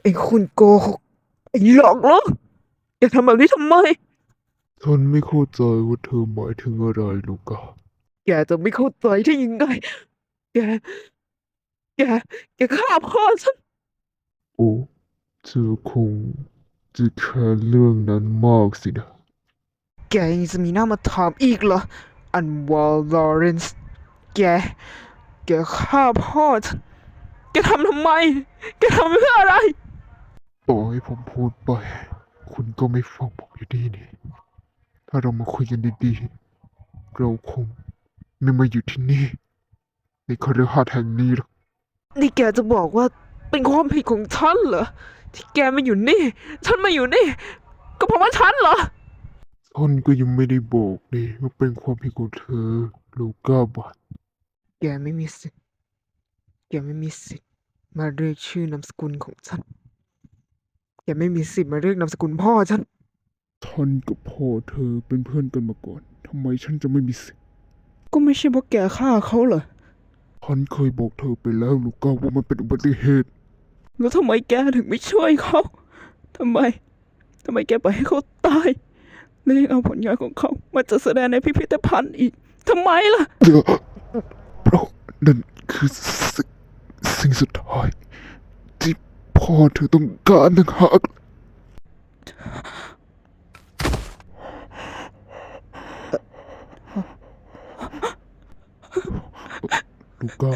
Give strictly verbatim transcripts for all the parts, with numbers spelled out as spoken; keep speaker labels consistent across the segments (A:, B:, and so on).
A: ไอ้คุณโกหกไอ้หลอกลวงแกทำแบบนี้ทำไม
B: ฉันไม่เข้าใจว่าเธอหมายถึงอะไรลูกะ
A: แกจะไม่เข้าใจได้ยังไงแกแกแกฆ่าพ่อฉัน
B: โอ้เธอคงจะแค่เรื่องนั้นมากสินะ
A: แกยังจะมีหน้ามาถามอีกเหรออันวาลอเรนซ์แกแกฆ่าพ่อฉันแกทำทำไมแกทำเพื่ออะไร
B: ต่อให้ผมพูดไปคุณก็ไม่ฟังผมอยู่ดีนี่ถ้าเรามาคุยกันดีๆเราคงไม่มาอยู่ที่นี่ในคฤหาสน์แห่งนี้หรอก
A: นี่แกจะบอกว่าเป็นความผิดของฉันเหรอที่แกมาอยู่นี่ฉันมาอยู่นี่ก็เพราะว่าฉันเหรอ
B: ท่านก็ยังไม่ได้บอกนี่ว่าเป็นความผิดของเธอลูก้าบัต
A: แกไม่มีสิทธิ์แกไม่มีสิทธิ์มาเรียกชื่อนามสกุลของฉัน แกไม่มีสิทธิ์มาเรียกนามสกุลพ่อฉัน
B: ท่านกับพ่อเธอเป็นเพื่อนกันมาก่อนทำไมฉันจะไม่มีสิทธิ์
A: ก็ไม่ใช่เพราะแกฆ่าเขาเหรอ
B: ท่านเคยบอกเธอไปแล้วลูก้าว่ามันเป็นอุบัติเหตุ
A: แล้วทำไมแกถึงไม่ช่วยเขาทำไมทำไมแกปล่อยให้เขาตายแล้วยังเอาผลงานของเขามาจัดแสดงในพิพิธภัณฑ์อีกทำไมล่ะ
B: เดี๋ยวเพราะนั่นคือสิ่งสิ่งสุดท้ายที่พ่อเธอต้องการต่างหากลูก้า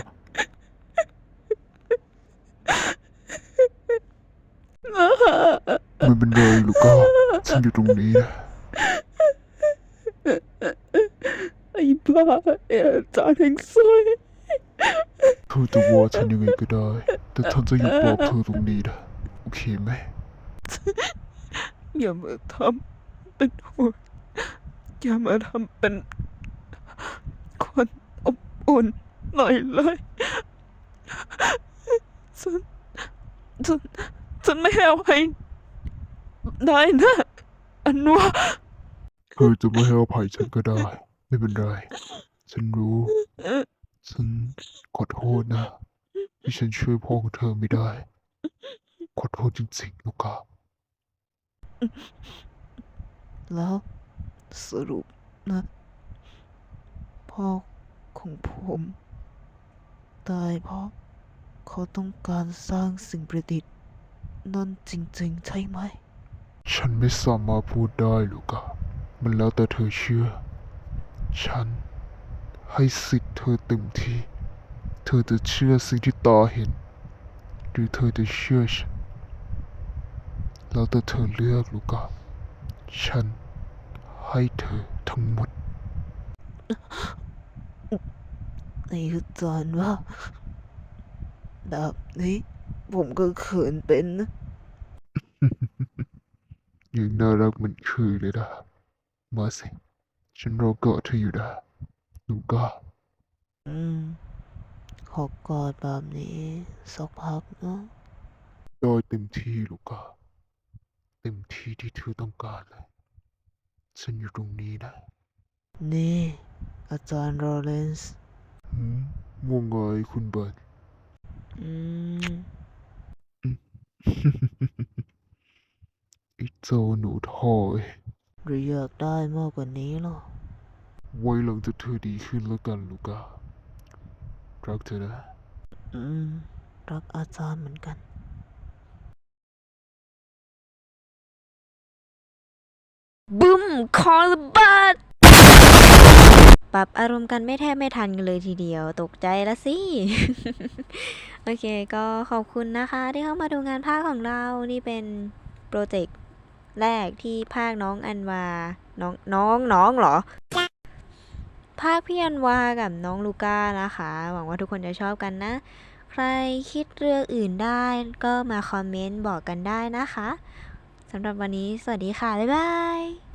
B: ไม่เป็นไรลูก้าฉันอยู่ตรงนี้นะ
A: ไอ้บ้าไอ้อาจารย์แห่งซวย
B: เธอจะว่าฉันยังไงก็ได้แต่ฉันจะอยู่ปลอบเธอตรงนี้นะโอเคไหม
A: อย่ามาทำเป็นห่วงอย่ามาทำเป็นคนอบอุ่นหน่อยเลยฉันฉันฉันไม่ให้อภัยได้นะอันว่า
B: เธอจะไม่ให้อภัยฉันก็ได้ไม่เป็นไรฉันรู้ฉันขอโทษนะที่ฉันช่วยพ่อของเธอไม่ได้ขอโทษจริงๆลูก้า
A: แล้วสรุปนะพ่อของผมตายเพราะเขาต้องการสร้างสิ่งประดิษฐ์นั่นจริงๆใช่ไหม
B: ฉันไม่สามารถพูดได้ลูกอะมันแล้วแต่เธอเชื่อ ฉันให้สิทธิ์เธอเต็มที่ เธอจะเชื่อสิ่งที่ตาเห็น หรือเธอจะเชื่อฉัน แล้วแต่เธอเลือกลูกอะฉันให้เธอทั้งหมด
A: ในอาจารย์ว่าแบบนี้ผมก็เขินเป็นนะ
B: ยังน่ารักเหมันเคยเลยนะมาสิ ฉันรอเกาะเธออยู่นะลูกอะ
A: อืมขอกอดแบบนี้สักพักนะ
B: ได้เต็มที่ลูกอะเต็มที่ที่เธอต้องการเลย ฉันอยู่ตรงนี้นะ
A: นี่อาจารย์โรเลนส์
B: หืมว่าไงคุณเบิร์ต
A: อืม
B: ไอ้เจ้าหนูท่อย
A: หรืออยากได้มากกว่านี้หรอ
B: ไว้หลังจากเธอดีขึ้นแล้วกันลูก้ารักเธอนะ
A: อืมรักอาจารย์เหมือนกันบึ้มคอระเบิดปรับอารมณ์กันไม่แทบไม่ทันกันเลยทีเดียวตกใจละสิ โอเคก็ขอบคุณนะคะที่เข้ามาดูงานภาคของเรานี่เป็นโปรเจกต์แรกที่ภาคน้องอันวาน้องน้องน้องเหรอภาคพี่อันวากับน้องลูก้านะคะหวังว่าทุกคนจะชอบกันนะใครคิดเรื่องอื่นได้ก็มาคอมเมนต์บอกกันได้นะคะสำหรับวันนี้สวัสดีค่ะบ๊ายบาย